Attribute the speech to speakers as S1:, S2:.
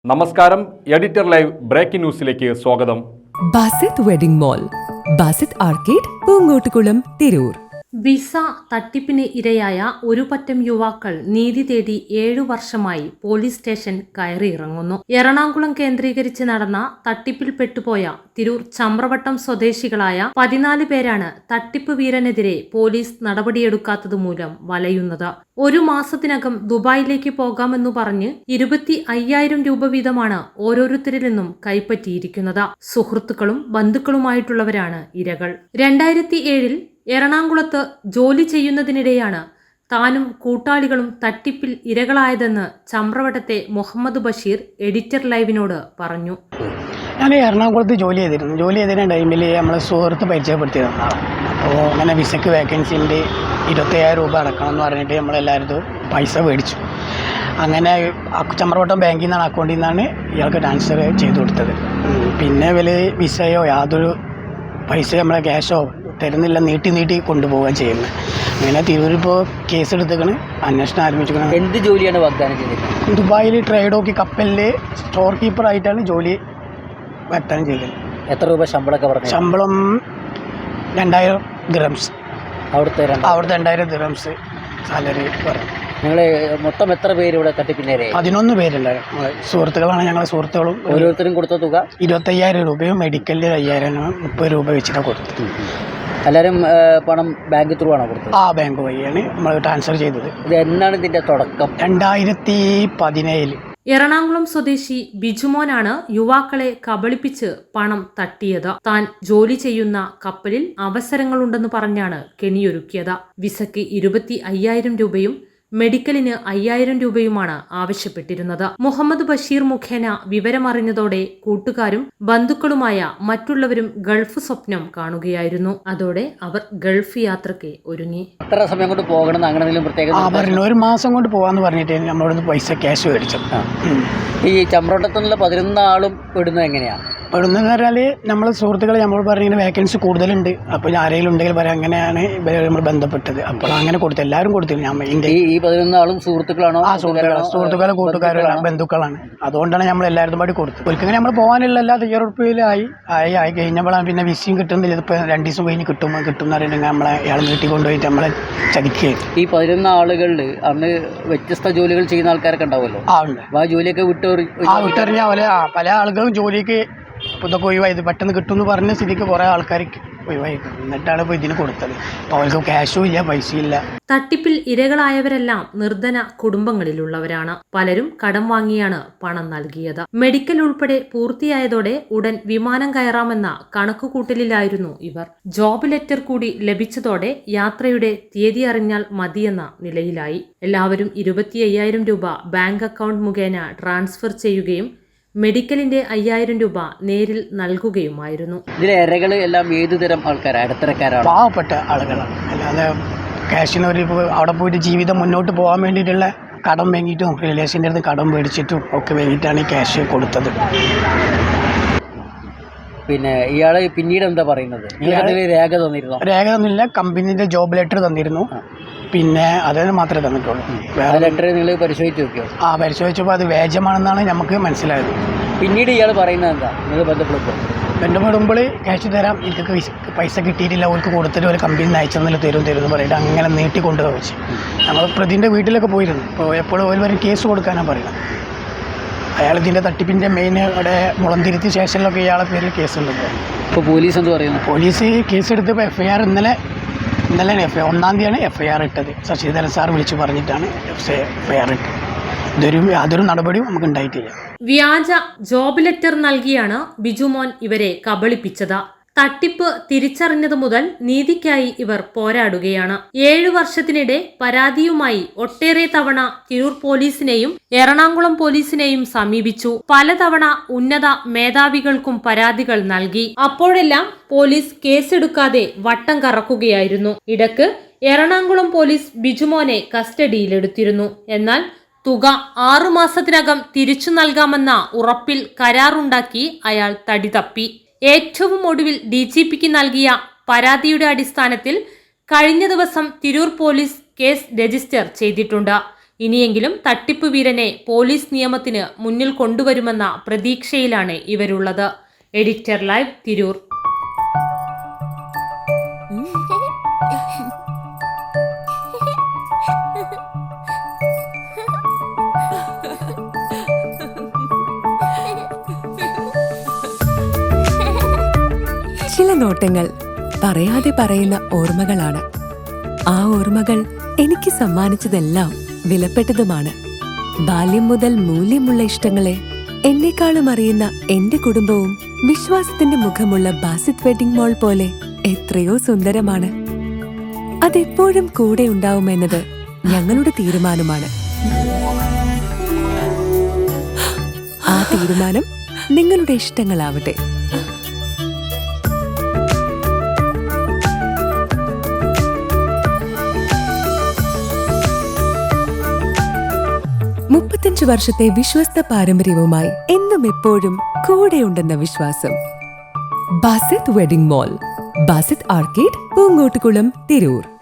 S1: നമസ്കാരം, editor live breaking ന്യൂസിലേക്ക് സ്വാഗതം.
S2: Basith wedding mall, Basith arcade, Poonkottukulam, Tirur.
S3: Visa തട്ടിപ്പിന് ഇരയായ ഒരു പറ്റം യുവാക്കൾ നീതി തേടി 7 വർഷമായി പോലീസ് സ്റ്റേഷൻ കയറിയിറങ്ങുന്നു. എറണാകുളം കേന്ദ്രീകരിച്ച് നടന്ന തട്ടിപ്പിൽ പെട്ടുപോയ തിരൂർ ചമ്രവട്ടം സ്വദേശികളായ 14 പേരാണ് തട്ടിപ്പ് വീരനെതിരെ പോലീസ് നടപടിയെടുക്കാത്തതുമൂലം വലയുന്നത്. 1 മാസത്തിനകം ദുബായിലേക്ക് പോകാമെന്നു പറഞ്ഞ് 25,000 രൂപ വീതമാണ് ഓരോരുത്തരിൽ നിന്നും കൈപ്പറ്റിയിരിക്കുന്നത്. സുഹൃത്തുക്കളും ബന്ധുക്കളുമായിട്ടുള്ളവരാണ് ഇരകൾ. 2007 എറണാകുളത്ത് ജോലി ചെയ്യുന്നതിനിടെയാണ് താനും കൂട്ടാളികളും തട്ടിപ്പിൽ ഇരകളായതെന്ന് ചമ്രവട്ടത്തെ മുഹമ്മദ് ബഷീർ എഡിറ്റർ ലൈവിനോട് പറഞ്ഞു.
S4: ഞാൻ എറണാകുളത്ത് ജോലി ചെയ്തിരുന്ന ടൈമിൽ നമ്മൾ സുഹൃത്ത് പരിചയപ്പെടുത്തിയതാണ്. അപ്പോൾ അങ്ങനെ വിസയ്ക്ക് വേക്കൻസി ഉണ്ട്, 25,000 രൂപ അടക്കണം എന്ന് പറഞ്ഞിട്ട് നമ്മളെല്ലാവരും പൈസ മേടിച്ചു. അങ്ങനെ ചമ്രവട്ടം ബാങ്കിൽ നിന്നാണ്, അക്കൗണ്ടിൽ നിന്നാണ് ഇയാൾക്ക് ട്രാൻസ്ഫർ ചെയ്ത് കൊടുത്തത്. പിന്നെ വലിയ വിസയോ യാതൊരു പൈസ നമ്മളെ ക്യാഷോ തരുന്നില്ല, നീട്ടി കൊണ്ടുപോവുകയാണ് ചെയ്യുന്നത്. അങ്ങനെ തിരൂരിപ്പോൾ കേസ് എടുത്തേക്കാണ്, അന്വേഷണം ആരംഭിച്ചിരിക്കുന്നത്.
S5: എന്ത് ജോലിയാണ് വാഗ്ദാനം ചെയ്തത്?
S4: ദുബായിൽ ട്രേഡോക്കി കപ്പലിൽ സ്റ്റോർ കീപ്പറായിട്ടാണ് ജോലി വാഗ്ദാനം ചെയ്തത്.
S5: എത്ര രൂപ ശമ്പളമൊക്കെ പറഞ്ഞു?
S4: ശമ്പളം 2,000 ദിറംസ്.
S5: അവിടുത്തെ
S4: 2,000 ദിറംസ് സാലറി പറഞ്ഞു.
S5: നിങ്ങൾ മൊത്തം എത്ര പേര് ഇവിടെ തട്ടിപ്പിന്നേരെ?
S4: 11 പേരുണ്ടായിരുന്നു. സുഹൃത്തുക്കളാണ് ഞങ്ങളെ സുഹൃത്തുക്കളും.
S5: ഓരോരുത്തരും കൊടുത്ത തുക
S4: 25,000 രൂപയും മെഡിക്കലിൽ 5,000, 30 രൂപ വെച്ചിട്ടാണ് കൊടുത്തത്.
S5: എല്ലാവരും പണം ബാങ്ക് ത്രൂ ആണോ കൊടുത്തത്?
S4: ആ ബാങ്ക് വഴിയാണ് നമ്മൾ ട്രാൻസ്ഫർ ചെയ്തത്.
S5: ഇത് എന്നാണ് ഇതിന്റെ തുടക്കം?
S4: 2017.
S3: എറണാകുളം സ്വദേശി ബിജുമോനാണ് യുവാക്കളെ കബളിപ്പിച്ച് പണം തട്ടിയത്. താൻ ജോലി ചെയ്യുന്ന കപ്പലിൽ അവസരങ്ങളുണ്ടെന്ന് പറഞ്ഞാണ് കെണിയൊരുക്കിയത്. വിസയ്ക്ക് 25,000 രൂപയും മെഡിക്കലിന് 5,000 രൂപയുമാണ് ആവശ്യപ്പെട്ടിരുന്നത്. മുഹമ്മദ് ബഷീർ മുഖേന വിവരമറിഞ്ഞതോടെ കൂട്ടുകാരും ബന്ധുക്കളുമായ മറ്റുള്ളവരും ഗൾഫ് സ്വപ്നം കാണുകയായിരുന്നു. അതോടെ അവർ ഗൾഫ് യാത്രയ്ക്ക് ഒരുങ്ങി.
S5: എത്ര സമയം കൊണ്ട് പോകണം? അങ്ങനെ പ്രത്യേക
S4: 1 മാസം കൊണ്ട് പോകാന്ന് പറഞ്ഞിട്ട് നമ്മളോട് പൈസ ക്യാഷ് മേടിച്ചത്.
S5: ഈ ചമ്രവട്ടത്തുനിന്നുള്ള 11 ആളും പെടുന്നത് എങ്ങനെയാണ്?
S4: പെടുന്നതെന്ന് പറഞ്ഞാൽ നമ്മൾ സുഹൃത്തുക്കൾ നമ്മളോട് പറഞ്ഞിങ്ങനെ വേക്കൻസി കൂടുതലുണ്ട്, അപ്പോൾ ആരെങ്കിലും ഉണ്ടെങ്കിൽ പറയാം, അങ്ങനെയാണ് നമ്മൾ ബന്ധപ്പെട്ടത്. അപ്പോൾ അങ്ങനെ കൊടുത്തു, എല്ലാവരും കൊടുത്തില്ല.
S5: ഈ 11 ആളും സുഹൃത്തുക്കളാണോ?
S4: ആ സുഹൃത്തുക്കളെ കൂട്ടുകാരാണ്, ബന്ധുക്കളാണ്. അതുകൊണ്ടാണ് നമ്മൾ എല്ലാവരും പാടി കൊടുത്തത്. ഒരിക്കലും നമ്മൾ പോകാനുള്ള എല്ലാ തയ്യാറെടുപ്പിലായി കഴിഞ്ഞപ്പോഴാണ് പിന്നെ വിസയും കിട്ടുന്നില്ല. ഇതിപ്പോൾ 2 ദിവസം കഴിഞ്ഞ് കിട്ടും എന്ന് പറയുന്നത് നമ്മളെ ഇയാൾ നീട്ടിക്കൊണ്ടുപോയിട്ട് നമ്മളെ ചതിക്കുകയായിരുന്നു.
S5: ഈ 11 ആളുകളിൽ അന്ന് വ്യത്യസ്ത ജോലികൾ ചെയ്യുന്ന ആൾക്കാരൊക്കെ ഉണ്ടാവുമല്ലോ.
S4: ഉണ്ട്.
S5: ആ ജോലിയൊക്കെ
S4: വിട്ടെറിഞ്ഞ പോലെ പല ആളുകളും ജോലിക്ക് ഇതൊക്കെ ഒഴിവായത് പെട്ടെന്ന് കിട്ടുമെന്ന് പറഞ്ഞ സ്ഥിതിക്ക് കുറേ ആൾക്കാർക്ക് ഒഴിവായിരിക്കും. എന്നിട്ടാണ് ഇപ്പോൾ ഇതിന് കൊടുത്തത്. അപ്പോൾ അവർക്ക് ക്യാഷും ഇല്ല, പൈസയില്ല.
S3: തട്ടിപ്പിൽ ഇരകളായവരെല്ലാം നിർധന കുടുംബങ്ങളിലുള്ളവരാണ്. പലരും കടം വാങ്ങിയാണ് പണം നൽകിയത്. മെഡിക്കൽ ഉൾപ്പെടെ പൂർത്തിയായതോടെ ഉടൻ വിമാനം കയറാമെന്ന കണക്കുകൂട്ടലിലായിരുന്നു ഇവർ. ജോബ് ലെറ്റർ കൂടി ലഭിച്ചതോടെ യാത്രയുടെ തീയതി അറിഞ്ഞാൽ മതിയെന്ന നിലയിലായി. എല്ലാവരും 25,000 രൂപ ബാങ്ക് അക്കൗണ്ട് മുഖേന ട്രാൻസ്ഫർ ചെയ്യുകയും മെഡിക്കലിന്റെ 5,000 രൂപ നേരിൽ നൽകുകയുമായിരുന്നു.
S5: ഇതിലെ ഇരകൾ എല്ലാം ഏതുതരം ആൾക്കാരാണ്? ഇടത്തരക്കാരാണ്,
S4: പാവപ്പെട്ട ആളുകളാണ്. അല്ലാതെ ക്യാഷിന് അവിടെ പോയിട്ട് ജീവിതം മുന്നോട്ട് പോകാൻ വേണ്ടിയിട്ടുള്ള കടം വാങ്ങിയിട്ടും റിലേഷൻ്റെ അടുത്ത് കടം മേടിച്ചിട്ടും ഒക്കെ വേണ്ടിയിട്ടാണ് ഈ ക്യാഷ് കൊടുത്തത്.
S5: പിന്നെ ഇയാൾ പിന്നീട് എന്താ പറയുന്നത്? രേഖ തന്നിരുന്നു?
S4: രേഖ തന്നില്ല. കമ്പനീൻ്റെ ജോബ് ലെറ്റർ തന്നിരുന്നു. പിന്നെ അതിന് മാത്രമേ തന്നിട്ടുള്ളൂ.
S5: വേറെ ലെറ്റർ നിങ്ങൾ പരിശോധിച്ച് നോക്കിയോ?
S4: പരിശോധിച്ചപ്പോൾ അത് വ്യാജമാണെന്നാണ് നമുക്ക് മനസ്സിലായത്.
S5: പിന്നീട് ഇയാൾ പറയുന്നത് എന്താ? നിങ്ങൾ
S4: ബന്ധപ്പെടുമ്പോൾ ക്യാഷ് തരാം, എനിക്ക് പൈസ കിട്ടിയിട്ടില്ല, അവർക്ക് കൊടുത്തിട്ട് ഒരു കമ്പനി അയച്ചെന്നില്ല തരും എന്ന് പറഞ്ഞിട്ട് അങ്ങനെ നീട്ടിക്കൊണ്ടു വെച്ച് ഞങ്ങൾ പ്രതിൻ്റെ വീട്ടിലൊക്കെ പോയിരുന്നു. അപ്പോൾ എപ്പോഴും ഒരു വരെ കേസ് കൊടുക്കാനാണ് പറയുന്നത്. അയാൾ ഇതിൻ്റെ തട്ടിപ്പിൻ്റെ മെയിൻ അവിടെ മുളന്തിരുത്തി സ്റ്റേഷനിലൊക്കെ ഇയാളെ പേരിൽ കേസുണ്ട്.
S5: ഇപ്പോൾ പോലീസ് എന്ത് പറയുന്നു?
S4: പോലീസ് കേസെടുത്തപ്പോൾ FIR ഇന്നലെ 1-ാം തീയതിയാണ് FIR ഇട്ടത്. ശശിധരൻ സാർ വിളിച്ച് പറഞ്ഞിട്ടാണ് FIR ഇട്ടത്. യാതൊരു നടപടിയും നമുക്ക് ഉണ്ടായിട്ടില്ല.
S3: വ്യാജ ജോബ് ലെറ്റർ നൽകിയാണ് ബിജുമോൻ ഇവരെ കബളിപ്പിച്ചത്. തട്ടിപ്പ് തിരിച്ചറിഞ്ഞതു മുതൽ നീതിക്കായി ഇവർ പോരാടുകയാണ്. 7 വർഷത്തിനിടെ പരാതിയുമായി ഒട്ടേറെ തവണ തിരൂർ പോലീസിനെയും എറണാകുളം പോലീസിനെയും സമീപിച്ചു. പലതവണ ഉന്നത മേധാവികൾക്കും പരാതികൾ നൽകി. അപ്പോഴെല്ലാം പോലീസ് കേസെടുക്കാതെ വട്ടം കറക്കുകയായിരുന്നു. ഇടക്ക് എറണാകുളം പോലീസ് ബിജുമോനെ കസ്റ്റഡിയിലെടുത്തിരുന്നു. എന്നാൽ തുക 6 മാസത്തിനകം തിരിച്ചു നൽകാമെന്ന ഉറപ്പിൽ കരാറുണ്ടാക്കി അയാൾ തടി തപ്പി. ഏറ്റവും ഒടുവിൽ DGPക്ക് നൽകിയ പരാതിയുടെ അടിസ്ഥാനത്തിൽ കഴിഞ്ഞ ദിവസം തിരൂർ പോലീസ് കേസ് രജിസ്റ്റർ ചെയ്തിട്ടുണ്ട്. ഇനിയെങ്കിലും തട്ടിപ്പ് വീരനെ പോലീസ് നിയമത്തിന് മുന്നിൽ കൊണ്ടുവരുമെന്ന പ്രതീക്ഷയിലാണ് ഇവരുള്ളത്. Editor live, Tirur.
S2: ചില നോട്ടങ്ങൾ പറയാതെ പറയുന്ന ഓർമ്മകളാണ്. ആ ഓർമ്മകൾ എനിക്ക് സമ്മാനിച്ചതെല്ലാം വിലപ്പെട്ടതുമാണ്. ബാല്യം മുതൽ മൂല്യമുള്ള ഇഷ്ടങ്ങളെ എന്നെക്കാളും അറിയുന്ന എന്റെ കുടുംബവും വിശ്വാസത്തിന്റെ മുഖമുള്ള ബാസിത് വെഡിംഗ് മോൾ പോലെ എത്രയോ സുന്ദരമാണ്. അതെപ്പോഴും കൂടെ ഉണ്ടാവുമെന്നത് ഞങ്ങളുടെ തീരുമാനമാണ്. ആ തീരുമാനം നിങ്ങളുടെ ഇഷ്ടങ്ങളാവട്ടെ. മുപ്പത്തഞ്ച് വർഷത്തെ വിശ്വസ്ത പാരമ്പര്യവുമായി എന്നും എപ്പോഴും കൂടെയുണ്ടെന്ന വിശ്വാസം. Basith wedding mall, Basith arcade, Poonkottukulam, Tirur.